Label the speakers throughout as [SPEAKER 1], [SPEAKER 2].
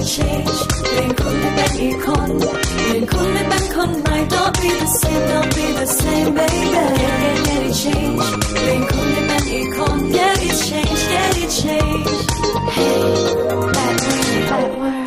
[SPEAKER 1] change เปลี่ยนคุณให้เป็นอีกคนเปลี่ยนคุณให้เป็นคนใหม่ Don't be the same Don't be the same baby Get it change เปลี่ยนคุณให้เป็นอีกคน Get it change Get it change Hey that word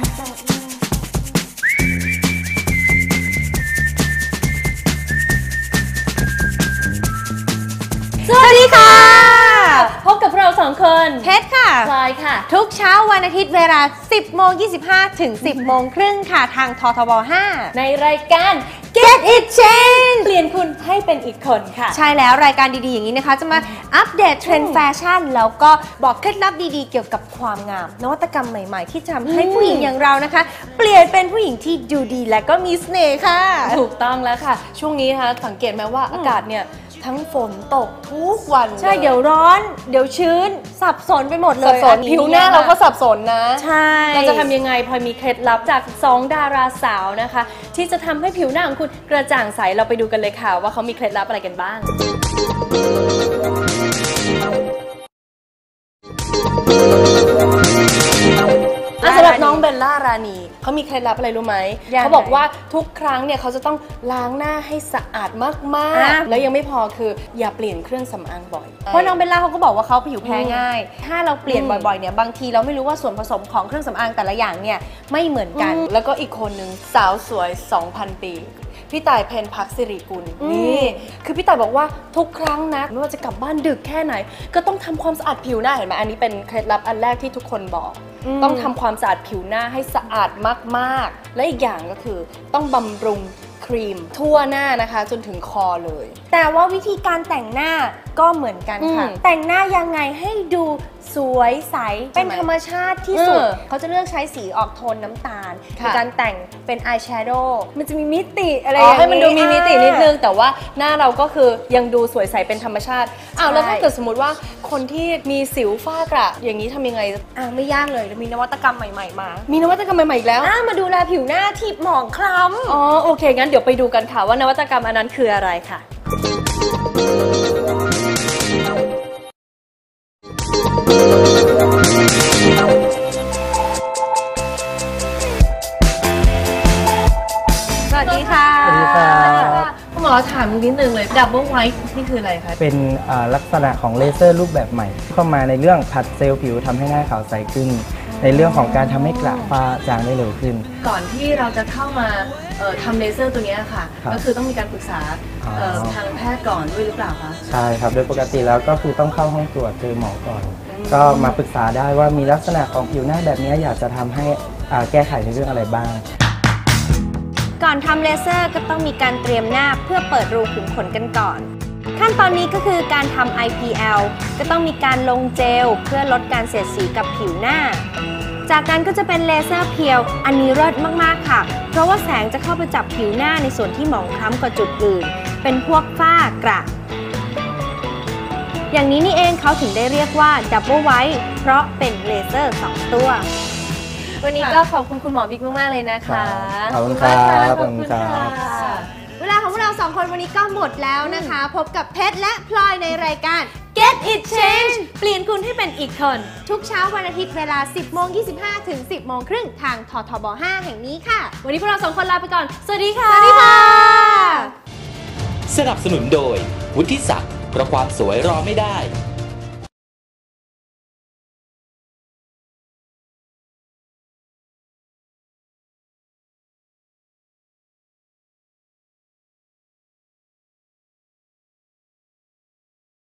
[SPEAKER 2] สวัสดีค่ะพบกับเรา2 คน
[SPEAKER 3] เพชรค่ะ
[SPEAKER 2] พลอยค่ะ
[SPEAKER 3] ทุกเช้าวันอาทิตย์เวลา 10:25 ถึง 10:30 ค่ะทางททบ 5
[SPEAKER 2] ในรายการ
[SPEAKER 3] Get It Change
[SPEAKER 2] เปลี่ยนคุณให้เป็นอีกคนค่ะ
[SPEAKER 3] ใช่แล้วรายการดีๆอย่างนี้นะคะจะมาอัปเดตเทรนด์แฟชั่นแล้วก็บอกเคล็ดลับดีๆเกี่ยวกับความงามนวัตกรรมใหม่ๆที่จะทำให้ผู้หญิงอย่างเรานะคะเปลี่ยนเป็นผู้หญิงที่ดูดีและก็มีเสน่ห์ค่ะ
[SPEAKER 2] ถูกต้องแล้วค่ะช่วงนี้นะคะสังเกตไหมว่าอากาศเนี่ยทั้งฝนตกทุกวัน
[SPEAKER 3] ใช่เดี๋ยวร้อนเดี๋ยวชื้นสับสนไปหมดเลย
[SPEAKER 2] สับสนผิวหน้าเราก็สับสนนะ
[SPEAKER 3] ใช่
[SPEAKER 2] เราจะทำยังไงพลอยมีเคล็ดลับจาก2 ดาราสาวนะคะที่จะทำให้ผิวหน้าของคุณกระจ่างใสเราไปดูกันเลยค่ะว่าเขามีเคล็ดลับอะไรกันบ้างสำหรับน้องเบลล่ารานีเขามีเคล็ดลับอะไรรู้ไหมเขาบอกว่าทุกครั้งเนี่ยเขาจะต้องล้างหน้าให้สะอาดมากๆแล้วยังไม่พอคืออย่าเปลี่ยนเครื่องสำอางบ่อย
[SPEAKER 3] เพราะน้องเบลล่าเขาก็บอกว่าเขาผิวแพ้ง่ายถ้าเราเปลี่ยนบ่อยๆเนี่ยบางทีเราไม่รู้ว่าส่วนผสมของเครื่องสำอางแต่ละอย่างเนี่ยไม่เหมือนกัน
[SPEAKER 2] แล้วก็อีกคนนึงสาวสวย 2,000 ปีพี่ต่ายเพ็ญพักสิริกุลนี่คือพี่ต่ายบอกว่าทุกครั้งนะไม่ว่าจะกลับบ้านดึกแค่ไหนก็ต้องทำความสะอาดผิวหน้าเห็นไหมอันนี้เป็นเคล็ดลับอันแรกที่ทุกคนบอกต้องทำความสะอาดผิวหน้าให้สะอาดมากๆและอีกอย่างก็คือต้องบำรุงครีมทั่วหน้านะคะจนถึงคอเลย
[SPEAKER 3] แต่ว่าวิธีการแต่งหน้าก็เหมือนกันค่ะแต่งหน้ายังไงให้ดูสวยใสเป็นธรรมชาติที่สุดเขาจะเลือกใช้สีออกโทนน้ำตาลในการแต่งเป็นอายแชโดว์มันจะมีมิติอะไรอย่างนี้
[SPEAKER 2] ให้มันดูมีมิตินิดนึงแต่ว่าหน้าเราก็คือยังดูสวยใสเป็นธรรมชาติแล้วถ้าเกิดสมมติว่าคนที่มีสิวฝ้ากระอย่างนี้ทำยังไง
[SPEAKER 3] ไม่ยากเลยมีนวัตกรรมใหม่ๆมา
[SPEAKER 2] มีนวัตกรรมใหม่ๆอีกแล้ว
[SPEAKER 3] มาดูแลผิวหน้าที่หมองคล้
[SPEAKER 2] ำโอเคงั้นเดี๋ยวไปดูกันค่ะว่านวัตกรรมอันนั้นคืออะไรค่ะ
[SPEAKER 3] สวัสดีค่ะ
[SPEAKER 2] คุณหมอถามนิดนึงเลยดับเบิลไวท์นี่คืออะไรคะ
[SPEAKER 4] เป็นลักษณะของเลเซอร์รูปแบบใหม่เข้ามาในเรื่องผัดเซลล์ผิวทำให้หน้าขาวใสขึ้นในเรื่องของการทำให้กระฝ้าจางได้เร็วขึ้น
[SPEAKER 2] ก่อนที่เราจะเข้ามาทำเลเซอร์ตัวนี้ค่ะก็คือต้องมีการปรึกษาทางแพทย์ก่อนด้วยหรือเปล่าคะ
[SPEAKER 4] ใช่ครับโดยปกติแล้วก็คือต้องเข้าห้องตรวจเจอหมอก่อนก็มาปรึกษาได้ว่ามีลักษณะของผิวหน้าแบบนี้อยากจะทำให้แก้ไขในเรื่องอะไรบ้าง
[SPEAKER 3] ก่อนทำเลเซอร์ก็ต้องมีการเตรียมหน้าเพื่อเปิดรูขุมขนกันก่อนขั้นตอนนี้ก็คือการทำ IPL ก็ต้องมีการลงเจลเพื่อลดการเสียดสีกับผิวหน้าจากนั้นก็จะเป็นเลเซอร์เพียวอันนี้เลิศมากๆค่ะเพราะว่าแสงจะเข้าไปจับผิวหน้าในส่วนที่หมองคล้ำกว่าจุดอื่นเป็นพวกฝ้ากระอย่างนี้นี่เองเขาถึงได้เรียกว่าดับเบิลไวท์เพราะเป็นเลเซอร์2 ตัววันนี้ก็ขอบคุณคุณหมอบิ๊กมากๆเลยนะคะ
[SPEAKER 4] ขอบคุณครับขอบคุณครับ
[SPEAKER 3] เวลาของเรา2 คนวันนี้ก็หมดแล้วนะคะพบกับเพชรและพลอยในรายการ Get It Change เปลี่ยนคุณให้เป็นอีกคนทุกเช้าวันอาทิตย์เวลา 10:25 ถึง 10:30 ทางททบ 5 แห่งนี้ค่ะวันนี้พวกเรา2 คนลาไปก่อนสวัสดีค่ะสวัสดีค่ะ
[SPEAKER 5] สนับสนุนโดยวุฒิศักดิ์เพราะความสวยรอไม่ได้